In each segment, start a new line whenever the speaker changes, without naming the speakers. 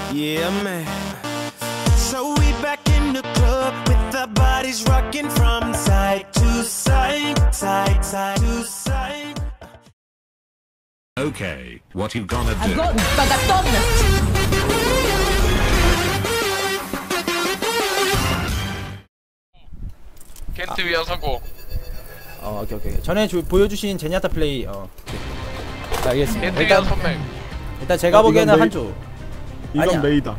Yeah, man. So we back in the club with our bodies rocking from side to side, side, side to side.
Okay, what you gonna do?
Готова, готовность!
겐트 위한 성공.
오케이. 전에 보여주신 제니아타 플레이 알겠습니다.
겐트 위한 선mek.
일단 제가 보기에는 한조.
이건
아니야.
메이다.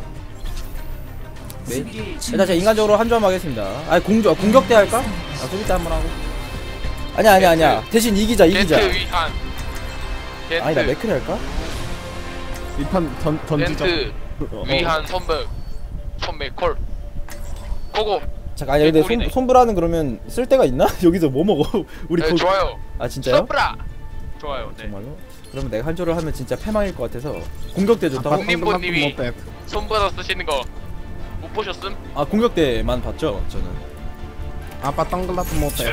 메이? 일단 제가 인간적으로 한조 한번 하겠습니다. 아니 공격대 할까? 수비대 한번 하고. 아니야. 대신 이기자.
겐트 위한. 겐트.
아니다 맥크리 할까?
이판 던지자.
겐트 위한 선mek 콜. 고고.
잠깐 아니 근데
개꿀이네.
손브라는 그러면 쓸 데가 있나? 여기서 뭐 먹어? 우리
네, 좋아요.
아 진짜요?
선브라. 좋아요. 네.
정말로? 그러면 내가 한조를 하면 진짜 패망일 것 같아서 공격대 좋다고?
님보님이 손브라 쓰시는 거 못 보셨음?
아 공격대만 봤죠 저는.
아빠 덩글라스 못해.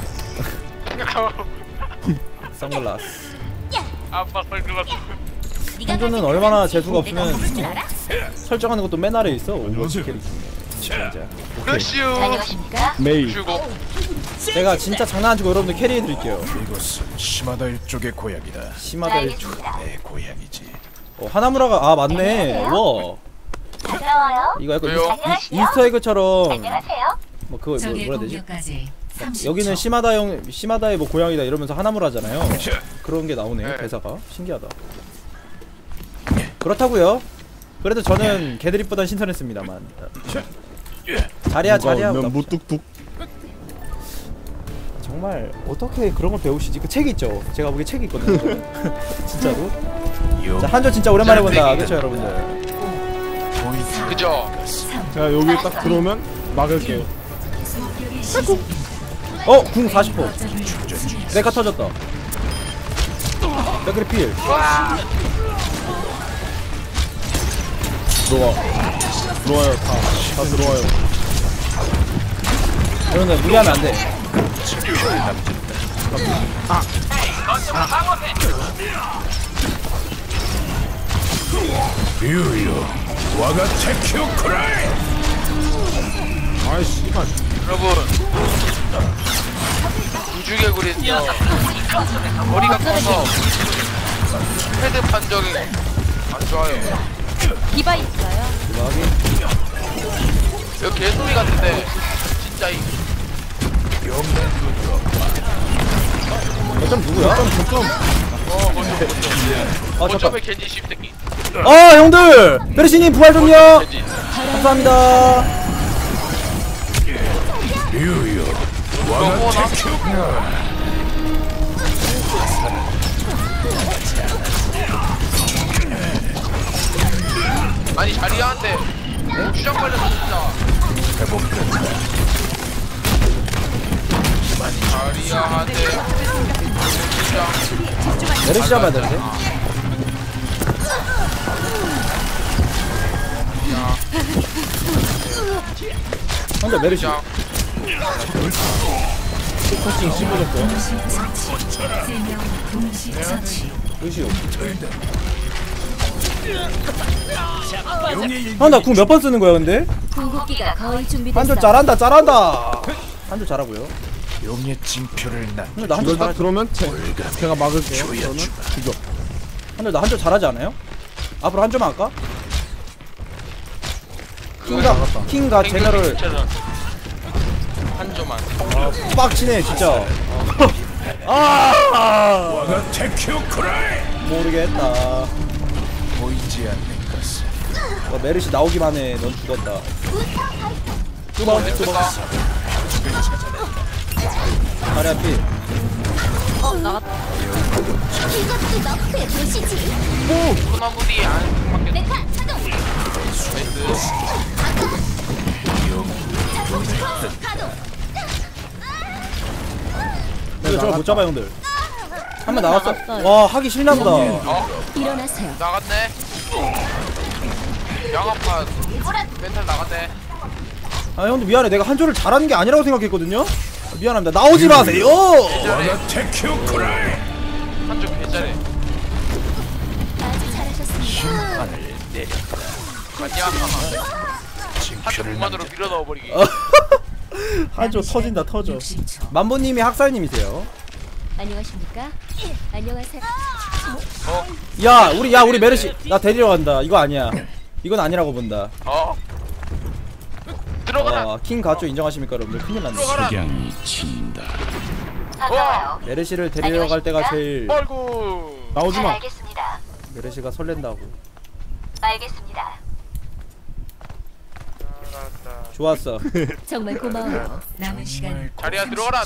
선글라스.
아빠 선글라스.
한조는 얼마나 재수가 없으면 설정하는 것도 맨 아래에 있어. 오버워치 캐릭터.
러슈.
메이.
슈고.
제가 진짜 장난 안 치고 여러분들 캐리해드릴게요.
이곳은 시마다 일족의 고향이다.
시마다 일족.
내 고향이지.
하나무라가 아 맞네. 와. 이거 약간
왜요?
이스터에그처럼 뭐 그거 뭐라 해야 되지? 여기는 시마다의 뭐 고향이다 이러면서 하나무라잖아요. 그런 게 나오네요.
네.
대사가 신기하다. 그렇다고요. 그래도 저는 걔들이보단 신선했습니다만. 자리야.
무뚝뚝.
정말 어떻게 그런 걸 배우시지? 그 책이 있죠. 제가 보기에 책이 있거든요. 진짜로. 자 한조 진짜 오랜만에 본다. 그렇죠 여러분들.
그죠?
제가 여기 딱 들어오면 막을게요.
궁 40호. 내가 터졌다. 맥크리 필.
들어와요. 다 들어와요.
여러분들 무리하면 안 돼.
유유, 와가 테큐 크라이.
아이씨, 이만.
여러분 우주개구리는요 머리가 커서 헤드 판정이 안 좋아요.
디바 있어요?
여기 개소리 같은데 진짜 이
어쩜 누구야?
거점에 겐지 씹새끼.
형들! 베르시님 부활 좀요!
겐지.
감사합니다.
유유,
이거
와가
뭐나?
테큐 크라이.
아니 자리야한테 주장 걸려서 진짜. 자리야한테 주장.
메르시 잡아야 되는데? 형들 메르시. 코칭 씹어줬고요. 루시오. 나 궁 몇 번 쓰는 거야 근데?
궁극기가 거의 준비됐어.
한줄 잘한다. 한줄 잘하고요.
용의 징표를 난.
근데 나 한줄
이걸 딱
잘하지.
들어오면 제가 막을게요. 저는 죽여.
근데 나 한줄 잘하지 않아요? 앞으로 한줄만 할까? 킹과 제너를
한 조만.
빡치네 진짜.
와가 테큐 크라이.
모르겠다.
보이지 않는 것은
메르시 나오기만 해. 넌 죽었다. 뚜벅. 다리 앞이.
나갔다.
소나무디 안 맞겠다.
근데 저걸 못 잡아 형들. 한 번 나왔어.
나갔어요.
와 하기 싫나 보다.
일어나세요.
나갔네. 양아파 멘탈 나갔네.
아 형들 미안해. 내가 한조를 잘하는 게 아니라고 생각했거든요. 미안합니다. 나오지 마세요.
와가 테큐 크라이.
한쪽 개잘해.
아주 잘하셨습니다.
하늘 내렸다.
아니야. 한쪽 공만으로 밀어 넣어버리기.
한조 터진다 터져. 만보님이 학살님이세요.
안녕하십니까? 안녕하세요.
우리 메르시 나 데리러 간다. 이거 아니야. 이건 아니라고 본다.
들어가라.
킹 가쪼 인정하십니까 여러분들? 큰일 났네.
석양이 친다.
메르시를 데리러 갈 때가 제일
아이고.
나오지마.
알겠습니다.
메르시가 설렌다고.
알겠습니다.
좋았어.
정말 고마워요.
남은 시간
자리야 들어가라.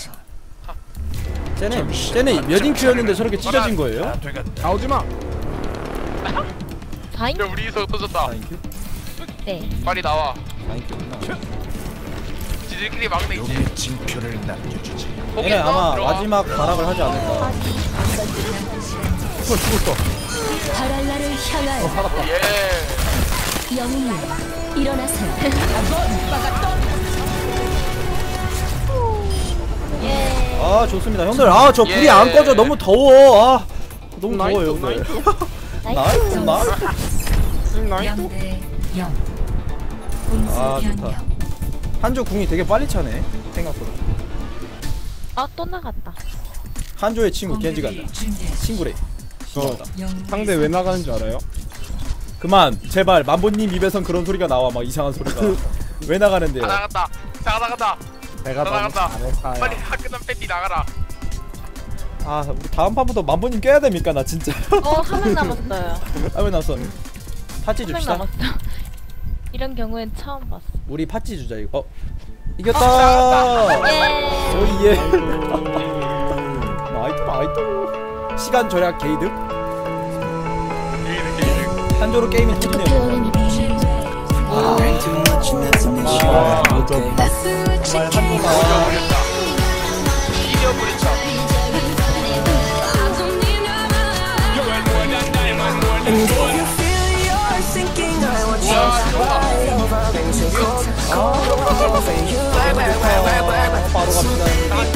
쟤네 몇 인큐였는데 저렇게 찢어진 거예요?
나오지마.
다인?
야 우리 이석 터졌다.
4인큐?
네.
빨리 나와.
4인큐구나.
지들끼리 막내 있지.
용의 징표를 남겨주지.
얘네 아마
들어와.
마지막 발악을 하지 않을까.
죽었어.
바랄라를 향하여
예.
영웅님 일어나세요.
아 좋습니다 형들. 저 불이 안 꺼져. 너무 더워. 너무 더워요 형들. 나이스.
0대 0. 공수
좋다.
변경.
한조 궁이 되게 빨리 차네 생각보다.
또 나갔다.
한조의 친구 겐지 간다. 친구래.
상대 왜 나가는 줄 알아요?
그만 제발 만보님 입에선 그런 소리가 나와. 막 이상한 소리가. 왜 나가는데요?
다 나갔다. 다 나갔다.
내가
다
너무
나갔다.
잘해서야.
빨리 화끈한 팬티 나가라.
우리 다음 판부터 만보님 깨야 됩니까 나 진짜.
한 명 남았어요.
왜 나왔어? 팥찌
한 명
줍시다.
남았어. 이런 경우엔 처음 봤어.
우리 팥찌 주자 이거. 이겼다. 오예. 나이트. 시간 절약 게이득. 한조로 게임이 터지네요. 정말 한조가
이겨버렸다.
바로 갑니다.